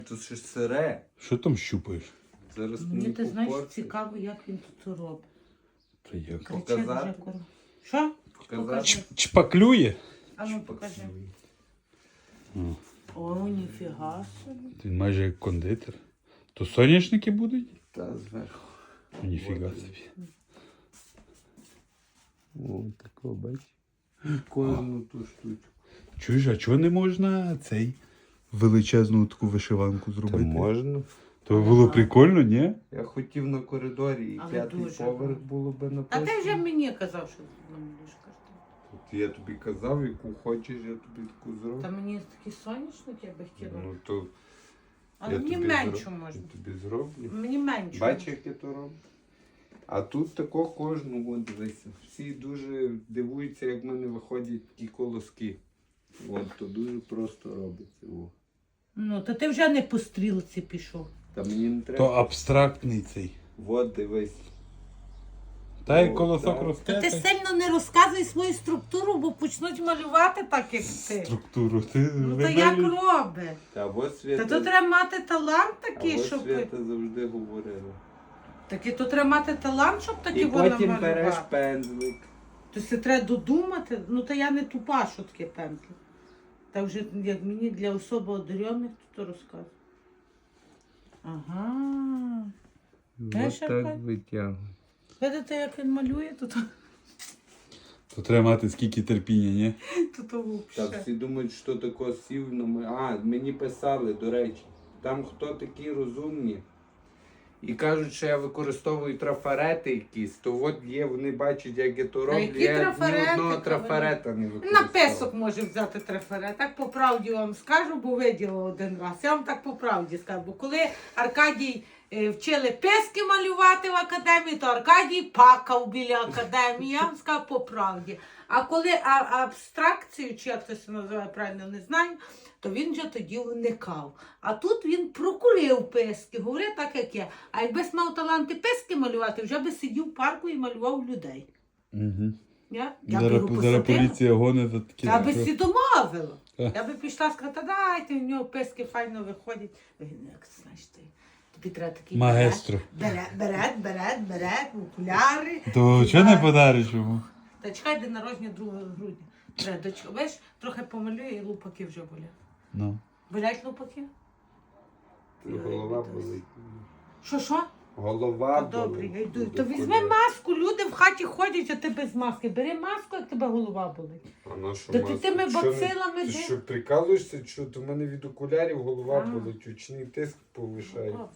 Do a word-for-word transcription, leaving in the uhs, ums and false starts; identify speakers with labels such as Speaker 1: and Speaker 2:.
Speaker 1: Тут ще сире.
Speaker 2: Що там щупаєш?
Speaker 1: Зараз
Speaker 3: Мені
Speaker 1: мені
Speaker 3: ти знаєш,
Speaker 1: попорти.
Speaker 3: цікаво, як він тут це робить.
Speaker 2: Та як?
Speaker 3: Кричить
Speaker 1: Показати?
Speaker 3: вже коро- Що?
Speaker 1: Показати?
Speaker 3: Покажи.
Speaker 2: Чпаклює?
Speaker 3: А ну покажи.
Speaker 2: О,
Speaker 3: О, ніфіга собі.
Speaker 2: він майже як кондитер. То соняшники будуть?
Speaker 1: Та зверху.
Speaker 2: Ніфіга
Speaker 1: Вот.
Speaker 2: собі.
Speaker 1: О, такого бач. Кожну ту штучку.
Speaker 2: Чуєш, а чого не можна цей величезну таку вишиванку зробити?
Speaker 1: можна.
Speaker 2: То було прикольно, ні?
Speaker 1: Я хотів на коридорі і
Speaker 3: Але
Speaker 1: п'ятий
Speaker 3: дуже
Speaker 1: поверх
Speaker 3: гарно.
Speaker 1: було би
Speaker 3: А
Speaker 1: написано.
Speaker 3: ти вже мені казав, що ти не будеш картину.
Speaker 1: От я тобі казав, яку хочеш, я тобі таку зроблю.
Speaker 3: Та мені такі соняшники я би хотіла.
Speaker 1: Ну то
Speaker 3: Але
Speaker 1: я
Speaker 3: мені
Speaker 1: тобі
Speaker 3: менше
Speaker 1: зроб-
Speaker 3: можна.
Speaker 1: я тобі зроблю.
Speaker 3: Мені менше.
Speaker 1: Бачиш, як я то роблю? А тут тако кожну, от дивися. Всі дуже дивуються, як в мене виходять ті колоски. От, то дуже просто робиться. О.
Speaker 3: Ну, то ти вже не по стрілці пішов.
Speaker 1: Та мені не
Speaker 2: То
Speaker 1: треба.
Speaker 2: абстрактний цей.
Speaker 1: От дивись.
Speaker 2: Та й
Speaker 1: О,
Speaker 2: колосок
Speaker 1: так.
Speaker 2: росте.
Speaker 3: Та ти
Speaker 2: та й
Speaker 3: сильно не розказуй свою структуру, бо почнуть малювати так, як ти.
Speaker 2: Структуру. Ти
Speaker 3: Ну то як
Speaker 2: вималюєш?
Speaker 3: робить?
Speaker 1: Та от
Speaker 3: Та
Speaker 1: Свята,
Speaker 3: тут треба мати талант
Speaker 1: а
Speaker 3: такий,
Speaker 1: от
Speaker 3: щоб.
Speaker 1: Свята завжди говорила.
Speaker 3: Так і тут треба мати талант, щоб такі
Speaker 1: І
Speaker 3: воно
Speaker 1: потім береш
Speaker 3: малювати.
Speaker 1: пензлик.
Speaker 3: То це треба додумати. Ну та я не тупа, що таке пензлик. Та вже як мені для особо одарених, то то розказує. Ага. Знаєш,
Speaker 1: Ось
Speaker 3: яка?
Speaker 1: так витягую.
Speaker 3: Видите, як він малює, то то,
Speaker 2: То треба мати скільки терпіння, ні?
Speaker 3: то, то
Speaker 1: Та
Speaker 3: взагалі.
Speaker 1: всі думають, що тако сів на мо- А, мені писали, до речі. Там хто такі розумні. І кажуть, що я використовую трафарети якісь, то от є, вони бачать, як я то роблю.
Speaker 3: які
Speaker 1: Я ні
Speaker 3: трафарети,
Speaker 1: одного
Speaker 3: коли?
Speaker 1: трафарета не
Speaker 3: На
Speaker 1: використовую.
Speaker 3: песок може взяти трефере. Так по правді вам скажу, бо виділа один раз. Я вам так по правді скажу. Бо коли Аркадій е, вчили пески малювати в академії, то Аркадій пакав біля академії. Я вам скажу по правді. А коли а, абстракцію, чи як це се називає правильно, не знаю, то він вже тоді уникав. А тут він прокурив пески, говорив так, як я. А якби мав таланти пески малювати, вже би сидів в парку і малював людей.
Speaker 2: Угу.
Speaker 3: Я, я б
Speaker 2: Зараз,
Speaker 3: його
Speaker 2: зараз
Speaker 3: посадила.
Speaker 2: поліція гонить за такі.
Speaker 3: Я би всі домовила.
Speaker 2: Так.
Speaker 3: Я би пішла і сказала, та дайте, в нього пески файно виходять. Він, як знаєш ти, тобі треба такий
Speaker 2: Маестро.
Speaker 3: берет, берет, берет, берет, окуляри.
Speaker 2: То чого не подариш йому?
Speaker 3: Та чекай, де народження другого грудня. Треба, дочка, бачиш, трохи помалює і лупаки вже болять.
Speaker 2: Ну.
Speaker 3: Болять лупаки?
Speaker 1: Голова болить.
Speaker 3: Що, що?
Speaker 1: Голова
Speaker 3: Та добре,
Speaker 1: болить.
Speaker 3: я йду.
Speaker 1: Буде
Speaker 3: То візьми
Speaker 1: боліти.
Speaker 3: маску, люди в хаті ходять, а ти без маски. Бери маску, як тебе голова болить.
Speaker 1: А на що
Speaker 3: Та ти
Speaker 1: маска?
Speaker 3: тими
Speaker 1: Що не-
Speaker 3: бацилами
Speaker 1: Ти
Speaker 3: де?
Speaker 1: що, прикалуєшся? Що то в мене від окулярів голова
Speaker 3: А.
Speaker 1: болить, очний тиск повишається.
Speaker 3: О,